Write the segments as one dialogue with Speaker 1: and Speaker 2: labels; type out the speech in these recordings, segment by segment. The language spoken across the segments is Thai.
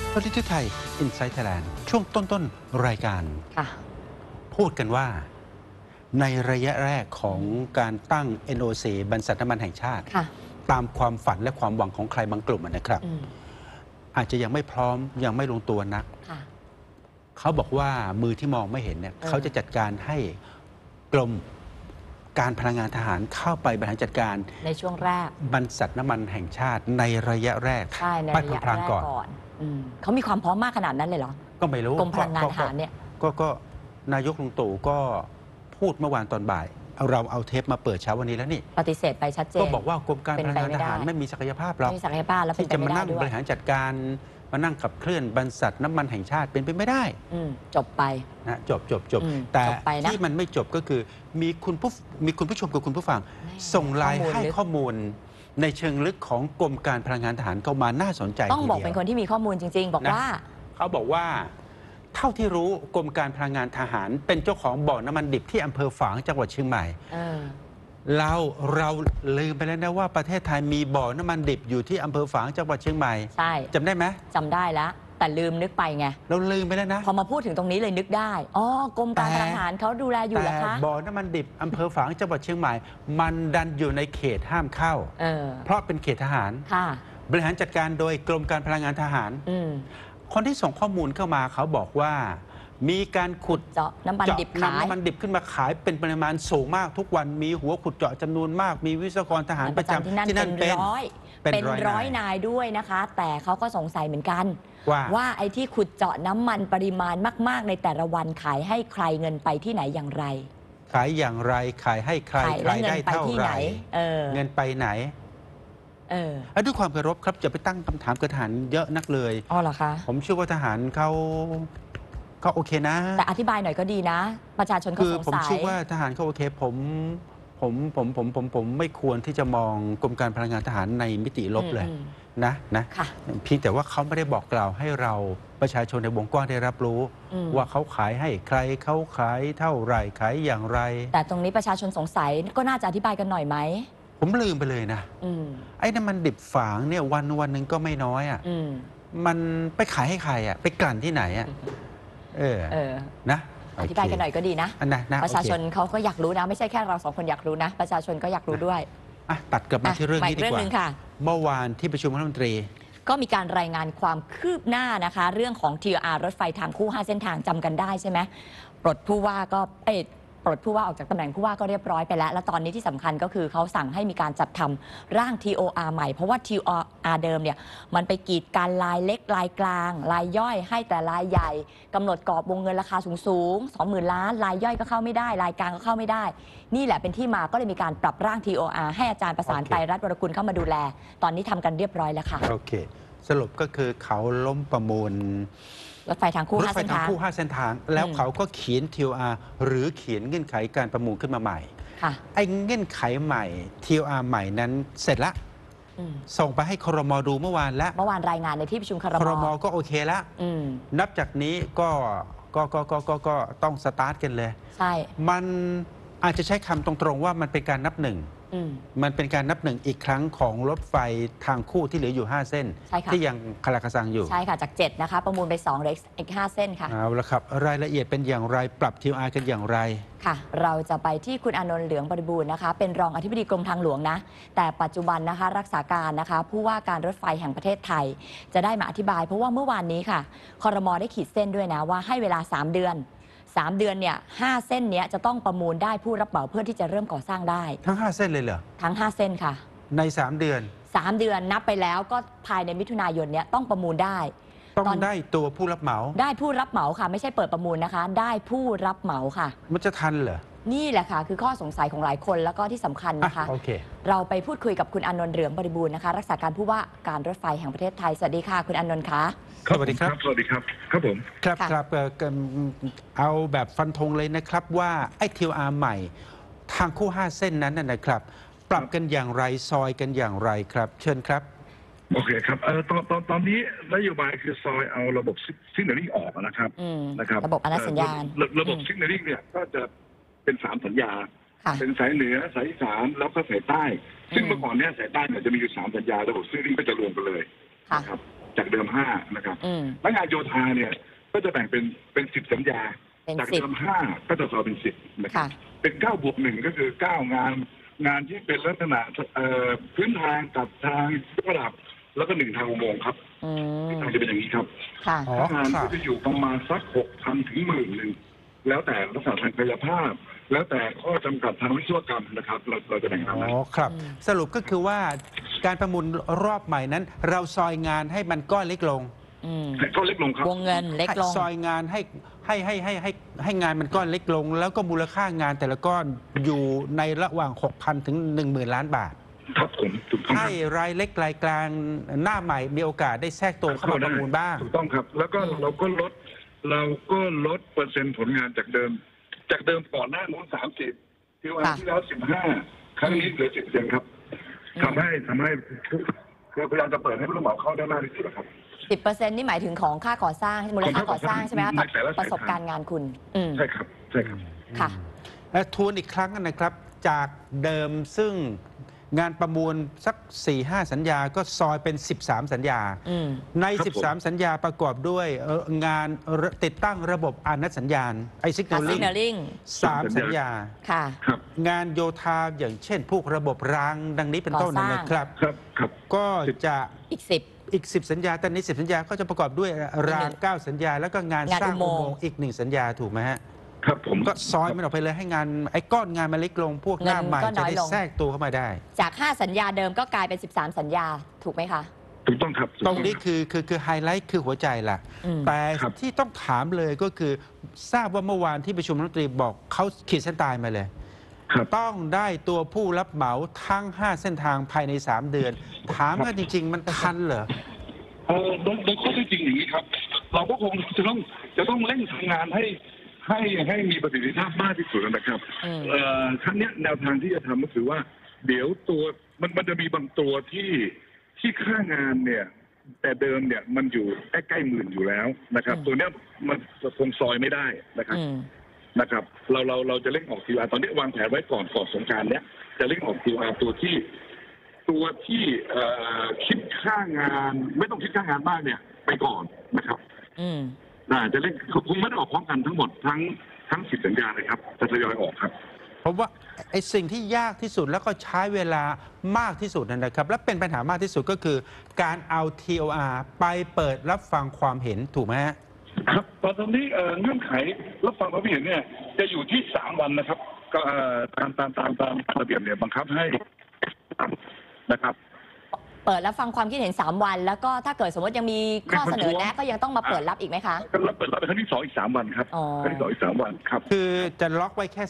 Speaker 1: ประเทศไทย Inside Thailand ช่วงต้นรายการพูดกันว่าในระยะแรกของการตั้ง NOC บรรษัทน้ำมันแห่งชาติตามความฝันและความหวังของใครบางกลุ่มนะครับอาจจะยังไม่พร้อมยังไม่ลงตัวนักเขาบอกว่ามือที่มองไม่เห็นเนี่ยเขาจะจัดการให้กรมการพลังงานทหารเข้าไปบริหารจัดการ
Speaker 2: ในช่วงแรก
Speaker 1: บรรษัทน้ำมันแห่งชาติในระยะแรก
Speaker 2: ไประยะแรกก่อนเขามีความพร้อมมากขนาดนั้นเลยเหรอ
Speaker 1: ก็ไม่รู้
Speaker 2: กรมพลังงานทหารเนี่ย
Speaker 1: ก็นายกลุงตู่ก็พูดเมื่อวานตอนบ่ายเราเอาเทปมาเปิดเช้าวันนี้แล้วนี่
Speaker 2: ปฏิเสธไปชัดเจน
Speaker 1: ก็บอกว่ากรมการพลังงานทหารไม่มีศักยภาพหรอกที่จะมานั่งบริหารจัดการมานั่งขับเคลื่อนบรรษัทน้ำมันแห่งชาติเป็นไปไม่ได้
Speaker 2: จบไป
Speaker 1: นะจบแต่ที่มันไม่จบก็คือมีคุณผู้ชมกับคุณผู้ฟังส่งไลน์ให้ข้อมูลในเชิงลึกของกรมการพลังงานทหารเข้ามาน่าสนใจ
Speaker 2: ต้องบอกเป็นคนที่มีข้อมูลจริงๆบอกว่า
Speaker 1: เขาบอกว่าเท่าที่รู้กรมการพลังงานทหารเป็นเจ้าของบ่อน้ำมันดิบที่อำเภอฝางจังหวัดเชียงใหม่เราลืมไปแล้วนะว่าประเทศไทยมีบ่อน้ำมันดิบอยู่ที่อำเภอฝางจังหวัดเชียงใหม่
Speaker 2: ใช่
Speaker 1: จำได้ไหม
Speaker 2: จำได้แล้วแต่ลืมนึกไปไง
Speaker 1: เราลืมไปแล้วนะ
Speaker 2: พอมาพูดถึงตรงนี้เลยนึกได้อ๋อกรมการพลังงานเขาดูแลอยู่เหรอคะ
Speaker 1: บ่อน้ำมันดิบอำเภอฝางจังหวัดเชียงใหม่มันดันอยู่ในเขตห้ามเข้าเพราะเป็นเขตทหารบริหารจัดการโดยกรมการพลังงานทหารคนที่ส่งข้อมูลเข้ามาเขาบอกว่ามีการขุด
Speaker 2: เจาะน้ำมันดิบขาย
Speaker 1: น้ำมันดิบขึ้นมาขายเป็นปริมาณสูงมากทุกวันมีหัวขุดเจาะจำนวนมากมีวิศวกรทหารประจำที่นั่น
Speaker 2: เป็นร้อยนายด้วยนะคะแต่เขาก็สงสัยเหมือนกันว่าไอ้ที่ขุดเจาะน้ำมันปริมาณมากๆในแต่ละวันขายให้ใครเงินไปที่ไหนอย่างไร
Speaker 1: ขายอย่างไรขายให้ใครใครได้เท่าไหร่เงินไปไหนด้วยความเคารพครับจะไปตั้งคำถามกับทหารเยอะนักเลย
Speaker 2: อ๋อเหรอคะ
Speaker 1: ผมเชื่อว่าทหารเขาโอเคนะ
Speaker 2: แต่อธิบายหน่อยก็ดีนะประชาชนเขาสงสัย
Speaker 1: ผมเชื่อว่าทหารเขาโอเคผมไม่ควรที่จะมองกรมการพลังงานทหารในมิติลบเลยนะเพียงแต่ว่าเขาไม่ได้บอกกล่าวให้เราประชาชนในวงกว้างได้รับรู้ว่าเขาขายให้ใครเขาขายเท่าไหร่ขายอย่างไร
Speaker 2: แต่ตรงนี้ประชาชนสงสัยก็น่าจะอธิบายกันหน่อยไหม
Speaker 1: ผมลืมไปเลยนะไอ้น้ำมันดิบฝางเนี่ยวันหนึ่งก็ไม่น้อยมันไปขายให้ใครไปกลั่นที่ไหนนะ
Speaker 2: อธิบายกันหน่อยก็ดีนะประชาชนเขาก็อยากรู้นะไม่ใช่แค่เราสองคนอยากรู้นะประชาชนก็อยากรู้ด้วย
Speaker 1: ตัดกลับมาที่เรื่องนี้ดีกว่าเมื่อวานที่ประชุมรัฐมนตรี
Speaker 2: ก็มีการรายงานความคืบหน้านะคะเรื่องของ TR รถไฟทางคู่5เส้นทางจำกันได้ใช่ไหมปลดผู้ว่าก็ปลดผู้ว่าออกจากตำแหน่งผู้ว่าก็เรียบร้อยไปแล้วและตอนนี้ที่สำคัญก็คือเขาสั่งให้มีการจัดทำร่าง TOR ใหม่เพราะว่า TOR เดิมเนี่ยมันไปกีดการลายเล็กลายกลางลายย่อยให้แต่ลายใหญ่กำหนดกรอบวงเงินราคาสูง 20,000 ล้านลายย่อยก็เข้าไม่ได้ลายกลางก็เข้าไม่ได้นี่แหละเป็นที่มาก็เลยมีการปรับร่าง TOR ให้อาจารย์ประสานไตรรัตน์วรกุลเข้ามาดูแลตอนนี้ทำกันเรียบร้อยแล้วค่ะ
Speaker 1: โอเคสรุปก็คือเขาล้มประมูล
Speaker 2: รถไฟทางคู่5เส้นทาง
Speaker 1: แล้วเขาก็เขียน TOR หรือเขียนเงื่อนไขการประมูลขึ้นมาใหม่ไอ้เงื่อนไขใหม่ TOR ใหม่นั้นเสร็จละส่งไปให้ครม.ดูเมื่อวานแล้ว
Speaker 2: เมื่อวานรายงานในที่ประชุมครม.
Speaker 1: ก็โอเคแล้วนับจากนี้ก็ต้องสตาร์ทกันเลย
Speaker 2: ใช่
Speaker 1: มันอาจจะใช้คำตรงๆว่ามันเป็นการนับหนึ่งมันเป็นการนับหนึ่งอีกครั้งของรถไฟทางคู่ที่เหลืออยู่5เส้นที่ยังคาราคาซังอยู่
Speaker 2: ใช่ค่ะจาก7นะคะประมูลไป2เหลืออีก5เส้นค่ะ
Speaker 1: เอาละครับรายละเอียดเป็นอย่างไรปรับ TOR กันอย่างไร
Speaker 2: ค่ะเราจะไปที่คุณอานนท์เหลืองบริบูรณ์นะคะเป็นรองอธิบดีกรมทางหลวงนะแต่ปัจจุบันนะคะรักษาการนะคะผู้ว่าการรถไฟแห่งประเทศไทยจะได้มาอธิบายเพราะว่าเมื่อวานนี้ค่ะครม.ได้ขีดเส้นด้วยนะว่าให้เวลา3 เดือนเนี่ย5เส้นเนี้ยจะต้องประมูลได้ผู้รับเหมาเพื่อที่จะเริ่มก่อสร้างได้
Speaker 1: ทั้ง5เส้นเลยเหรอ
Speaker 2: ทั้ง5เส้นค่ะ
Speaker 1: ใน3 เดือน
Speaker 2: นับไปแล้วก็ภายในมิถุนายนเนี้ยต้องประมูลได้
Speaker 1: ต้องได้ตัวผู้รับเหมา
Speaker 2: ได้ผู้รับเหมาค่ะไม่ใช่เปิดประมูลนะคะได้ผู้รับเหมาค่ะ
Speaker 1: มันจะทันเหรอ
Speaker 2: นี่แหละค่ะคือข้อสงสัยของหลายคนแล้วก็ที่สำคัญนะคะเราไปพูดคุยกับคุณอานนท์เหลืองบริบูรณ์นะคะรักษาการผู้ว่าการรถไฟแห่งประเทศไทยสวัสดีค่ะคุณอานนท์คะ
Speaker 1: สวัสดีครับ
Speaker 3: สวัสดีครับครับผม
Speaker 1: ครับเอาแบบฟันธงเลยนะครับว่าไอ้ TOR ใหม่ทางคู่5เส้นนั้นนะครับปรับกันอย่างไรซอยกันอย่างไรครับเชิญครับ
Speaker 3: โอเคครับตอนนี้นโยบายคือซอยเอาระบบซิกเนลลิ่งออกนะครับ
Speaker 2: ระบบอนุสัญญาณ
Speaker 3: ระบบซิกเนลลิ่งเนี่ยก็จะเป็น3สัญญาเป็นสายเหนือสายอีสานแล้วก็สายใต้ซึ่งเมื่อก่อนเนี่ยสายใต้เนี่ยจะมีอยู่3สัญญาระบบซิกเนลลิ่งก็จะรวมกันเลยนะครับจากเดิม5นะครับและงานโยธาเนี่ยก็จะแบ่งเป็น10 สัญญาจากเดิม5ก็จะซอยเป็น10นะครับเป็น9+1ก็คือ9งานที่เป็นลักษณะพื้นทางกับทางระดับแล้วก็1ทางอุโมงค์ครับทางจะเป็นอย่างนี้ครับงานก็จะอยู่ประมาณสัก 6,000 ถึง 10,000 แล้วแต่ลักษณะทางกายภาพแล้วแต่ข้อจำกัดทางวิศวกรรมนะครับเราจะแบ่งตามนั้น
Speaker 1: ครับสรุปก็คือว่าการประมูลรอบใหม่นั้น เราซอยงานให้มันก้อนเล็กลง
Speaker 3: ก็เล็กลงครับ
Speaker 2: วงเงินเล็กลง
Speaker 1: ซอยงานให้งานมันก้อนเล็กลงแล้วก็มูลค่างานแต่ละก้อนอยู่ในระหว่าง 6,000 ถึง 10,000 ล้านบาท
Speaker 3: ครับผมถูกต้อง
Speaker 1: ให้รายเล็กรายกลางหน้าใหม่มีโอกาสได้แทรกตัวเข้ามาประมูลบ้าง
Speaker 3: ถูกต้องครับแล้วก็เราก็ลดเปอร์เซ็นต์ผลงานจากเดิมก่อนหน้านู้น30ที่วันที่แล้ว15ครั้งนี้เหลือ10%ครับทำให้คือพยายามจะเปิดให้ผู้รับเหมาเข้าได้มากที่สุดครับ
Speaker 2: 10%นี่หมายถึงของค่าก่อสร้างมูลค่าก่อสร้างใช่ไหมคะประสบการณ์งานคุณ
Speaker 3: ใช่ครับ
Speaker 2: ค่ะ
Speaker 1: และทวนอีกครั้งนะครับจากเดิมซึ่งงานประมูลสัก 4-5 สัญญาก็ซอยเป็น13 สัญญาใน13 สัญญาประกอบด้วยงานติดตั้งระบบอานัดสัญญาณซิกเนลลิ่ง3 สัญญา
Speaker 2: ค่ะ
Speaker 1: งานโยธาอย่างเช่นพวกระบบรางดังนี้เป็นต้นนะครับก็จะอีก 10 สัญญาแต่ใน10 สัญญาก็จะประกอบด้วยราง9 สัญญาแล้วก็งานสร้างอุโมงค์อีก1 สัญญาถูกไหมฮะ
Speaker 3: ครับผม
Speaker 1: ก็ซอยมันออกไปเลยให้งานก้อนงานมันเล็กลงพวกหน้าใหม่จะได้แทรกตัวเข้ามาได้
Speaker 2: จาก5 สัญญาเดิมก็กลายเป็น13 สัญญาถูกไหมคะ
Speaker 3: ถูกต้องครับ
Speaker 1: ตรงนี้คือไฮไลท์คือหัวใจล่ะแต่ที่ต้องถามเลยก็คือทราบว่าเมื่อวานที่ประชุมรัฐมนตรีบอกเขาขีดเส้นตายมาเลยต้องได้ตัวผู้รับเหมาทั้ง5 เส้นทางภายใน3 เดือนถามว่าจริงๆมันทันเหรอ
Speaker 3: โดยข้อเท็จจริงอย่างนี้ครับเราก็คงจะต้องเร่งทำงานให้มีประสิทธิภาพมากที่สุดนะครับครั้งนี้แนวทางที่จะทำก็คือว่าเดี๋ยวตัวมันจะมีบางตัวที่ค่างานเนี่ยแต่เดิมเนี่ยมันอยู่ใกล้ๆ10,000อยู่แล้วนะครับตัวเนี้ยมันคงซอยไม่ได้นะครับเราจะเร่งออกQRตอนนี้วางแผนไว้ก่อนสงกรานต์เนี้ยจะเร่งออกQRตัวที่คิดค่างานไม่ต้องคิดค่างานมากเนี่ยไปก่อนนะครับจะเล่นคงไม่ได้ออกพร้อมกันทั้งหมดทั้ง10 สัญญาเลยครับจะทยอยออกครับ
Speaker 1: เพราะว่าไอ้สิ่งที่ยากที่สุดแล้วก็ใช้เวลามากที่สุดนะครับและเป็นปัญหามากที่สุดก็คือการเอา TOR ไปเปิดรับฟังความเห็นถูกไหม
Speaker 3: ครับตอนนี้เงื่อนไขรับฟังความเห็นเนี่ยจะอยู่ที่3 วันนะครับก็ตามระเบียบเนี่ยบังคับให้นะครับ
Speaker 2: เปิดรับฟังความคิดเห็น3 วันแล้วก็ถ้าเกิดสมมติยังมีข้อเสนอแนะก็ยังต้องมาเปิดรับอีกไหมคะ
Speaker 3: ก็เปิดรับเป็นครั้งที่2อีก3 วันครับครั้งที่2อีก3 วันครับ
Speaker 1: คือจะล็อกไว้แค่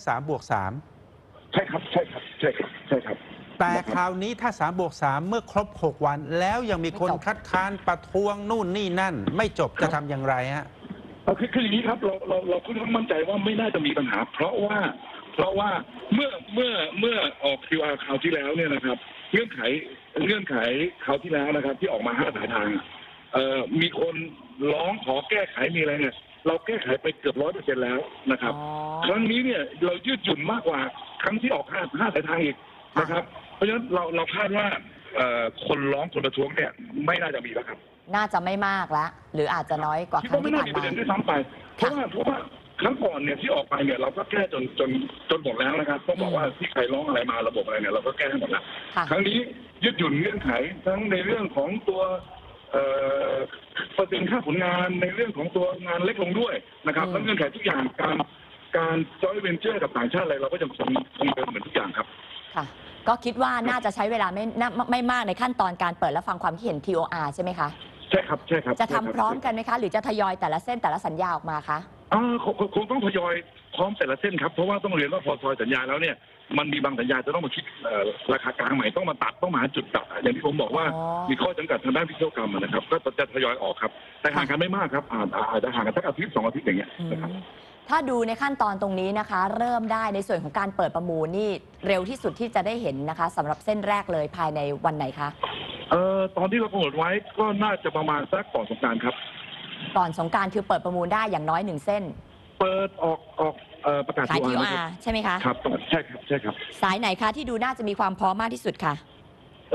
Speaker 1: 3+3
Speaker 3: ใช่ครับ
Speaker 1: แต่คราวนี้ถ้า3+3เมื่อครบ6 วันแล้วยังมีคนคัดค้านประท้วงนู่นนี่นั่นไม่จบจะทำอย่างไรฮะ
Speaker 3: คืออย่างนี้ครับเราค่อนข้างมั่นใจว่าไม่น่าจะมีปัญหาเพราะว่าเมื่อออก QR คราวที่แล้วเนี่ยนะครับเงื่อนไขคราวที่แล้วนะครับที่ออกมา5 สายทางมีคนร้องขอแก้ไขมีอะไรเนี่ยเราแก้ไขไปเกือบ100%แล้วนะครับครั้งนี้เนี่ยเรายืดหยุ่นมากกว่าครั้งที่ออก5 สายทางอีกนะครับเพราะฉะนั้นเราคาดว่าคนร้องคนประท้วงเนี่ยไม่น่าจะมีแล้วครับ
Speaker 2: น่าจะไม่มากแล้วหรืออาจจะน้อยกว่าครั้งที่ผ่านมา
Speaker 3: ด้วยซ้ำไปเพราะว่าครั้งก่อนเนี่ยที่ออกไปเนี่ยเราก็แก้จนหมดแล้วนะครับต้องบอกว่าที่ใครร้องอะไรมาระบบอะไรเนี่ยเราก็แก้ให้หมดแล้วครั้งนี้ยืดหยุ่นเงื่อนไขทั้งในเรื่องของตัวเปอร์เซ็นต์ค่าผลงานในเรื่องของตัวงานเล็กลงด้วยนะครับแล้วเงื่อนไขทุกอย่างการจอยเวนเจอร์กับต่างชาติอะไรเราก็ยังคงเดิมเหมือนทุกอย่างครับ
Speaker 2: ค่ะก็คิดว่าน่าจะใช้เวลาไม่มากในขั้นตอนการเปิดและฟังความคิดเห็น TOR ใช่ไหมคะ
Speaker 3: ใช่ครับ
Speaker 2: จะทำพร้อมกันไหมคะหรือจะทยอยแต่ละเส้นแต่ละสัญญาออกมาคะ
Speaker 3: คงต้องทยอยพร้อมแต่ละเส้นครับเพราะว่าต้องเรียนว่าพอซอยสัญญาแล้วเนี่ยมันมีบางสัญญาจะต้องมาคิดราคากลางใหม่ต้องมาตัดต้องมาหาจุดตัดอย่างที่ผมบอกว่ามีข้อจำกัดทางด้านวิศวกรรมนะครับก็จะทยอยออกครับแต่ห่างกันไม่มากครับอาจจะห่างกันสักอาทิตย์2 อาทิตย์อย่างเงี้ยนะครับ
Speaker 2: ถ้าดูในขั้นตอนตรงนี้นะคะเริ่มได้ในส่วนของการเปิดประมูลนี่เร็วที่สุดที่จะได้เห็นนะคะสำหรับเส้นแรกเลยภายในวันไหนคะ
Speaker 3: ตอนที่เรากำหนดไว้ก็น่าจะประมาณสักก่อนสงกรานต์ครับ
Speaker 2: ก่อนสงกรานต์คือเปิดประมูลได้อย่างน้อย1 เส้น
Speaker 3: เปิดออกประกาศ
Speaker 2: TOR ใช่ไหมคะ
Speaker 3: ครับใช่ครับ
Speaker 2: สายไหนคะที่ดูน่าจะมีความพร้อมมากที่สุดค่ะ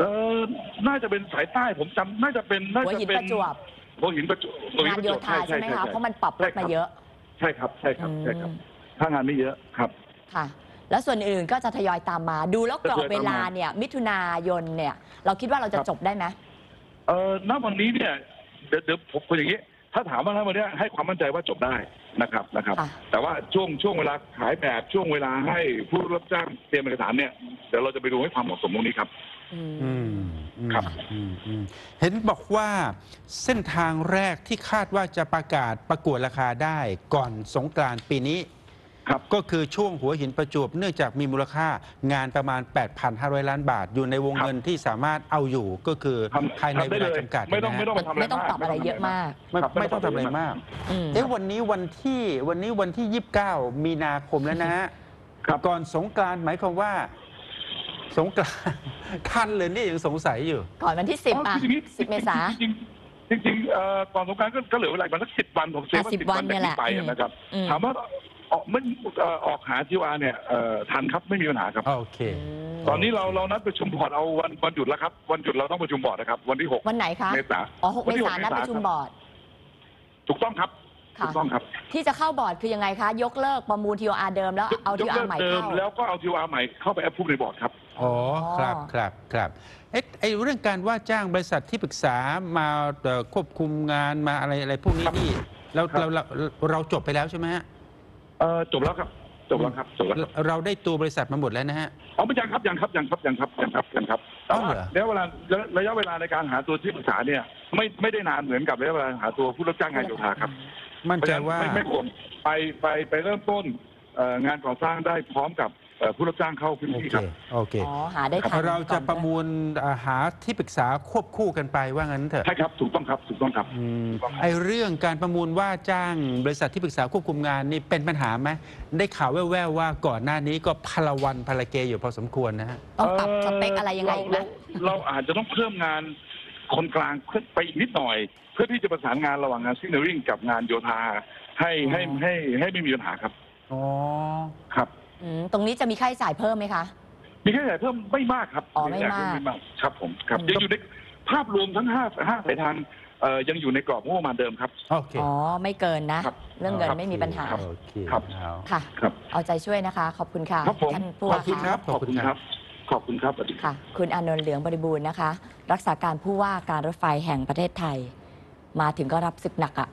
Speaker 3: น่าจะเป็นสายใต้ผมจำน่าจะเป็น
Speaker 2: หัวหินประจวบ
Speaker 3: หัวหินประจวบ
Speaker 2: งานโยธาใช่ไหมคะเพราะมันปรับลดมาเยอะ
Speaker 3: ใช่ครับถ้างานไม่เยอะครับ
Speaker 2: ค่ะแล้วส่วนอื่นก็จะทยอยตามมาดูแล้วกรอบเวลาเนี่ยมิถุนายนเนี่ยเราคิดว่าเราจะจบได้ไหม
Speaker 3: ณวันนี้เนี่ยเดี๋ยวผมอย่างนี้ถ้าถามว่าณวันนี้ให้ความมั่นใจว่าจบได้นะครับแต่ว่าช่วงเวลาขายแบบช่วงเวลาให้ผู้รับจ้างเตรียมเอกสารเนี่ยเดี๋ยวเราจะไปดูให้ความเหมาะสมตรงนี้ครับครับ
Speaker 1: เห็นบอกว่าเส้นทางแรกที่คาดว่าจะประกาศประกวดราคาได้ก่อนสงกรานต์ปีนี้ก็คือช่วงหัวหินประจวบเนื่องจากมีมูลค่างานประมาณ 8,500 ล้านบาทอยู่ในวงเงินที่สามารถเอาอยู่ก็คือภายในเวลาจำกัด
Speaker 3: ไม่ต้อง
Speaker 2: ปรับอะไรเยอะมาก
Speaker 1: ไม่ต้องทำอะไรมากวันนี้วันที่ 29 มีนาคมแล้วนะฮะก่อนสงกรานต์หมายความว่าสงกรานต์ทันเลยนี่ยังสงสัยอยู่
Speaker 2: ก่อนวันที่10 เมษายน
Speaker 3: จริงก่อนสงกรานต์ก็เหลือเวลาประมาณ10 วันผมเชื่อว่า10 วัน
Speaker 2: นี่แหละ
Speaker 3: นะครับถามว่าออกหาทีวาเนี่ยทันครับไม่มีปัญหาครับ
Speaker 1: โอเค
Speaker 3: ตอนนี้เรานัดประชุมบอร์ดเอาวันหยุดแล้วครับวันหยุดเราต้องประชุมบอร์ดนะครับวันที่6
Speaker 2: วันไหนคะ
Speaker 3: เมษา
Speaker 2: 6 เมษายนนัดประชุมบอร์ด
Speaker 3: ถูกต้องครับถูกต้องครับ
Speaker 2: ที่จะเข้าบอร์ดคือยังไงคะยกเลิกประมูล TOR เดิมแล้วเอา TOR ใหม่เข้า
Speaker 3: แล้วก็เอา TOR ใหม่เข้าไปแอปพูดในบอร์ดครับ
Speaker 1: อ๋อครับไอ้เรื่องการว่าจ้างบริษัทที่ปรึกษามาควบคุมงานมาอะไรพวกนี้นี่เราจบไปแล้วใช่ไหมฮะ
Speaker 3: จบแล้วครับ
Speaker 1: เราได้ตัวบริษัทมาหมดแล้วนะฮะ
Speaker 3: ไม่ยังครับแต่ว่าระยะเวลาในการหาตัวที่ปรึกษาเนี่ยไม่ได้นานเหมือนกับระยะเวลาหาตัวผู้รับจ้างงานโยธาครับ
Speaker 1: มั่นใจว่า
Speaker 3: ไม่ควรไปเริ่มต้นงานก่อสร้างได้พร้อมกับผู้รับจ้างเข้าพื้นที่ครับ
Speaker 1: โอเค
Speaker 2: หาได้ทัน
Speaker 1: เราจะประมูลหาที่ปรึกษาควบคู่กันไปว่างั้นเถอะ
Speaker 3: ใช่ครับถูกต้องครับ
Speaker 1: ไอเรื่องการประมูลว่าจ้างบริษัทที่ปรึกษาควบคุมงานนี่เป็นปัญหาไหมได้ข่าวแว่วๆว่าก่อนหน้านี้ก็พลวันพลเกอยู่พอสมควรนะฮะ
Speaker 2: ต้องปรับสเปคอะไรยังไงไหม
Speaker 3: เราอาจจะต้องเพิ่มงานคนกลางขึ้นไปอีกนิดหน่อยเพื่อที่จะประสานงานระหว่างงานซิกเนอริ่งกับงานโยธาให้ไม่มีปัญหาครับ
Speaker 1: อ๋อ
Speaker 3: ครับ
Speaker 2: ตรงนี้จะมีค่าใช้จ่ายเพิ่มไหมคะ
Speaker 3: มีค่าใช้จ่ายเพิ่มไม่มากครับ
Speaker 2: ไม่มาก
Speaker 3: ครับผมครับยังอยู่ในภาพรวมทั้ง5 สายทางยังอยู่ในกรอบงบประมาณเดิมครับ
Speaker 1: โอเค
Speaker 2: ไม่เกินนะเรื่องเงินไม่มีปัญหา
Speaker 3: ครับ
Speaker 2: ค่ะเอาใจช่วยนะคะขอบคุณค่ะ
Speaker 3: ท่านผู้ว่าครับขอบคุณครับ
Speaker 2: ค่ะคุณอานนท์เหลืองบริบูรณ์นะคะรักษาการผู้ว่าการรถไฟแห่งประเทศไทยมาถึงก็รับศึกหนักอ่ะ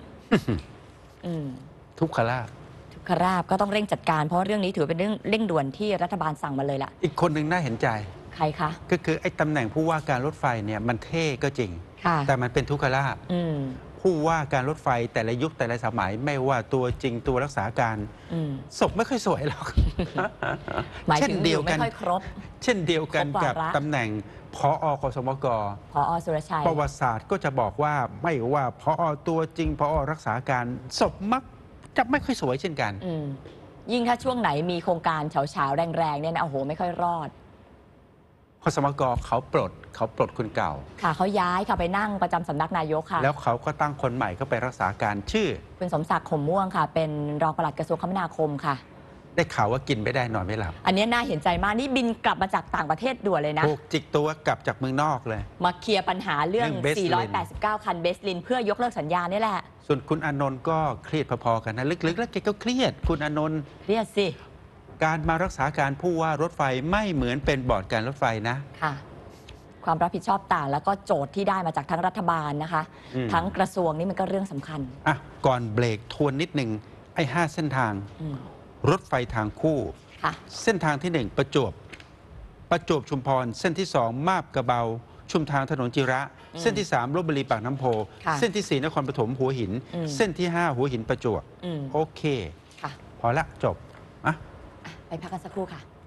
Speaker 1: ทุกขลาภ
Speaker 2: ก็ต้องเร่งจัดการเพราะเรื่องนี้ถือเป็นเรื่องเร่งด่วนที่รัฐบาลสั่งมาเลยล่ะ
Speaker 1: อีกคนหนึ่งน่าเห็นใจ
Speaker 2: ใครคะ
Speaker 1: ก็คือไอ้ตำแหน่งผู้ว่าการรถไฟเนี่ยมันเท่ก็จริงแต่มันเป็นทุกขลาภผู้ว่าการรถไฟแต่ละยุคแต่ละสมัยไม่ว่าตัวจริงตัวรักษาการศพไม่ค่อยสวยหรอก
Speaker 2: เช่นเดียวกันไม่ค่อยครบ
Speaker 1: เช่นเดียวกันกับตำแหน่งผอ.กสมก.
Speaker 2: ผอ.สุรชัย
Speaker 1: ประวัติศาสตร์ก็จะบอกว่าไม่ว่าผอ.ตัวจริงผอ.รักษาการศพมักจะไม่ค่อยสวยเช่นกัน
Speaker 2: ยิ่งถ้าช่วงไหนมีโครงการเฉาๆแรงๆเนี่ยนะโอ้โหไม่ค่อยรอด
Speaker 1: กสมก.เขาปลดคนเก่า
Speaker 2: ค่ะเขาย้ายค่ะไปนั่งประจำสำนักนายกค่ะ
Speaker 1: แล้วเขาก็ตั้งคนใหม่ก็ไปรักษาการชื่อ
Speaker 2: คุณสมศักดิ์ข่มม่วงค่ะเป็นรองปลัดกระทรวงคมนาคมค่ะ
Speaker 1: ได้ข่าวว่ากินไม่ได้นอนไม่หลับ
Speaker 2: อันนี้น่าเห็นใจมากนี่บินกลับมาจากต่างประเทศด่วนเลยนะ
Speaker 1: ถูกจิกตัวกลับจากเมืองนอกเลย
Speaker 2: มาเคลียร์ปัญหาเรื่อง489 คันเบสลินเพื่อยกเลิกสัญญานี่แหละ
Speaker 1: ส่วนคุณอานนท์ก็เครียดพอๆกันนะลึกๆแล้วแกก็เครียดคุณอานนท์
Speaker 2: เครียดสิ
Speaker 1: การมารักษาการผู้ว่ารถไฟไม่เหมือนเป็นบอร์ดการรถไฟนะ
Speaker 2: ค่ะความรับผิดชอบต่างแล้วก็โจทย์ที่ได้มาจากทั้งรัฐบาลนะคะทั้งกระทรวงนี่มันก็เรื่องสำคัญ
Speaker 1: ก่อนเบรกทวนนิดหนึ่งไอ้5 เส้นทางรถไฟทางคู่เส้นทางที่1ประจวบชุมพรเส้นที่2มาบกระเบาชุมทางถนนจิระเส้นที่3ลพบุรีปากน้ำโพเส้นที่4นครปฐมหัวหินเส้นที่5หัวหินประจวบโอเคพอละจบ
Speaker 2: ไปพักกันสักครู่ค่ะ